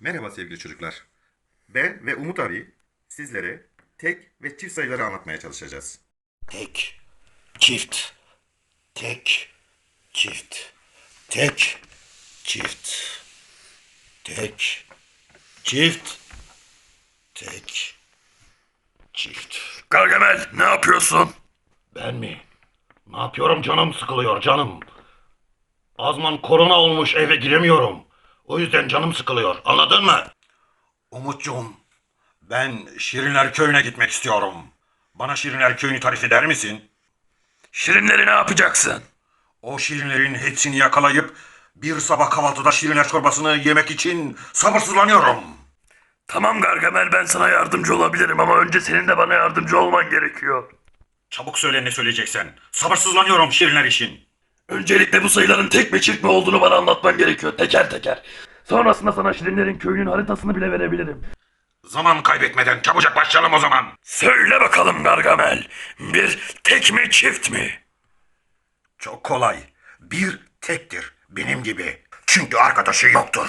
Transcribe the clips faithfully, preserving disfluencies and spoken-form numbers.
Merhaba sevgili çocuklar. Ben ve Umut abi sizlere tek ve çift sayıları anlatmaya çalışacağız. Tek, çift, tek, çift, tek, çift, tek, çift, tek, çift. Gargamel ne yapıyorsun? Ben mi? Ne yapıyorum, canım sıkılıyor canım. Azman korona olmuş, eve giremiyorum. O yüzden canım sıkılıyor, anladın mı? Umutcuğum, ben Şirinler Köyü'ne gitmek istiyorum. Bana Şirinler Köyü'nü tarif eder misin? Şirinleri ne yapacaksın? O şirinlerin hepsini yakalayıp bir sabah kahvaltıda şirinler çorbasını yemek için sabırsızlanıyorum. Tamam Gargamel, ben sana yardımcı olabilirim ama önce senin de bana yardımcı olman gerekiyor. Çabuk söyle ne söyleyeceksen. Sabırsızlanıyorum şirinler için. Öncelikle bu sayıların tek mi çift mi olduğunu bana anlatman gerekiyor, teker teker. Sonrasında sana Şirinlerin köyünün haritasını bile verebilirim. Zaman kaybetmeden çabucak başlayalım o zaman. Söyle bakalım Gargamel, bir tek mi çift mi? Çok kolay. Bir tektir benim gibi. Çünkü arkadaşı yoktur.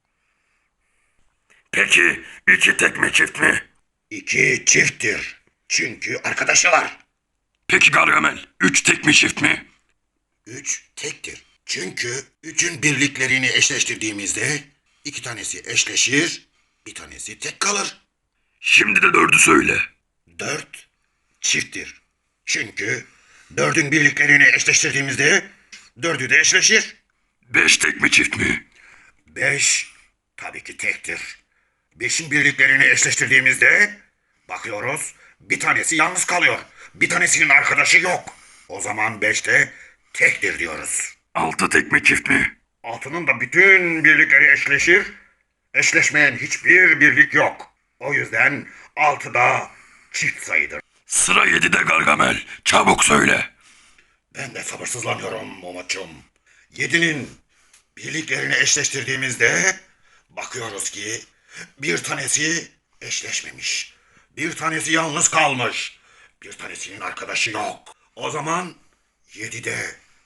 Peki iki tek mi çift mi? İki çifttir. Çünkü arkadaşı var. Peki Gargamel, üç tek mi çift mi? Üç tektir. Çünkü üçün birliklerini eşleştirdiğimizde iki tanesi eşleşir, bir tanesi tek kalır. Şimdi de dördü söyle. Dört çifttir. Çünkü dördün birliklerini eşleştirdiğimizde dördü de eşleşir. Beş tek mi çift mi? Beş tabii ki tektir. Beşin birliklerini eşleştirdiğimizde bakıyoruz bir tanesi yalnız kalıyor. Bir tanesinin arkadaşı yok. O zaman beşte tektir diyoruz. Altı tek mi çift mi? Altının da bütün birlikleri eşleşir. Eşleşmeyen hiçbir birlik yok. O yüzden altı da çift sayıdır. Sıra yedide Gargamel, çabuk söyle. Ben de sabırsızlanıyorum Umut'cum. Yedinin birliklerini eşleştirdiğimizde bakıyoruz ki bir tanesi eşleşmemiş. Bir tanesi yalnız kalmış. Bir tanesinin arkadaşı yok. O zaman yedi de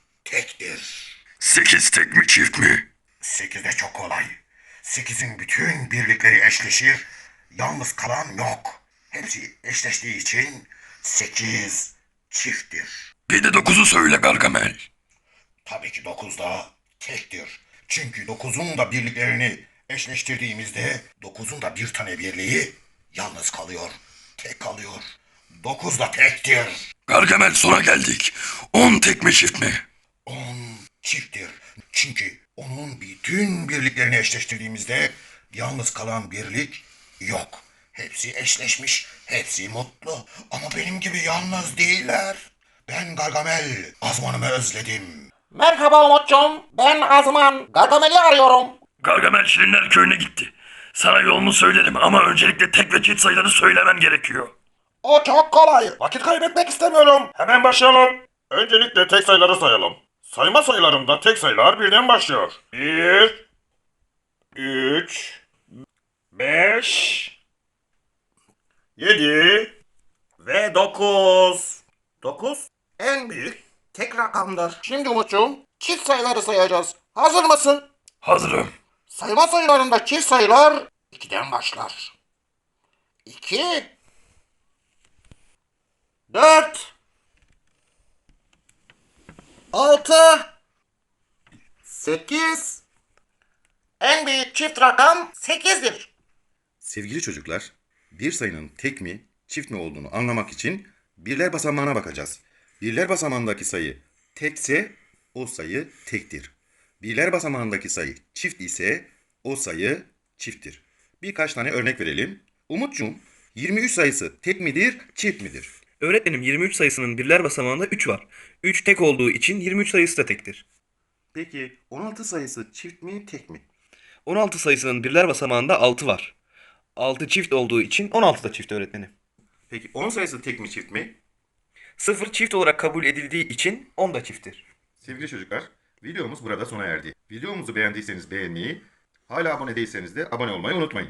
tektir. Sekiz tek mi çift mi? Sekiz de çok kolay. Sekizin bütün birlikleri eşleşir. Yalnız kalan yok. Hepsi eşleştiği için sekiz çifttir. Bir de dokuzu söyle Gargamel. Tabii ki dokuz da tektir. Çünkü dokuzun da birliklerini eşleştirdiğimizde dokuzun da bir tane birliği yalnız kalıyor. Tek kalıyor. Dokuz da tektir. Gargamel, sona geldik. On tek mi çift mi? On çifttir. Çünkü onun bütün birliklerini eşleştirdiğimizde yalnız kalan birlik yok. Hepsi eşleşmiş, hepsi mutlu. Ama benim gibi yalnız değiller. Ben Gargamel, Azman'ımı özledim. Merhaba Umut'cum. Ben Azman. Gargamel'i arıyorum. Gargamel Şirinler köyüne gitti. Sana yolunu söylerim ama öncelikle tek ve çift sayıları söylemen gerekiyor. O çok kolay. Vakit kaybetmek istemiyorum. Hemen başlayalım. Öncelikle tek sayıları sayalım. Sayma sayılarında tek sayılar birden başlıyor. Bir, üç, beş, yedi ve dokuz. Dokuz En büyük tek rakamdır. Şimdi Umut'cum çift sayıları sayacağız. Hazır mısın? Hazırım. Sayma sayılarında çift sayılar ikiden başlar. İki, dört, altı, sekiz. En büyük çift rakam sekizdir. Sevgili çocuklar, bir sayının tek mi, çift mi olduğunu anlamak için birler basamağına bakacağız. Birler basamağındaki sayı tekse o sayı tektir. Birler basamağındaki sayı çift ise o sayı çifttir. Birkaç tane örnek verelim. Umutcuğum, yirmi üç sayısı tek midir, çift midir? Öğretmenim, yirmi üç sayısının birler basamağında üç var. üç tek olduğu için yirmi üç sayısı da tektir. Peki on altı sayısı çift mi, tek mi? on altı sayısının birler basamağında altı var. altı çift olduğu için on altı da çift öğretmenim. Peki on sayısı tek mi, çift mi? sıfır çift olarak kabul edildiği için on da çifttir. Sevgili çocuklar, videomuz burada sona erdi. Videomuzu beğendiyseniz beğenmeyi, hala abone değilseniz de abone olmayı unutmayın.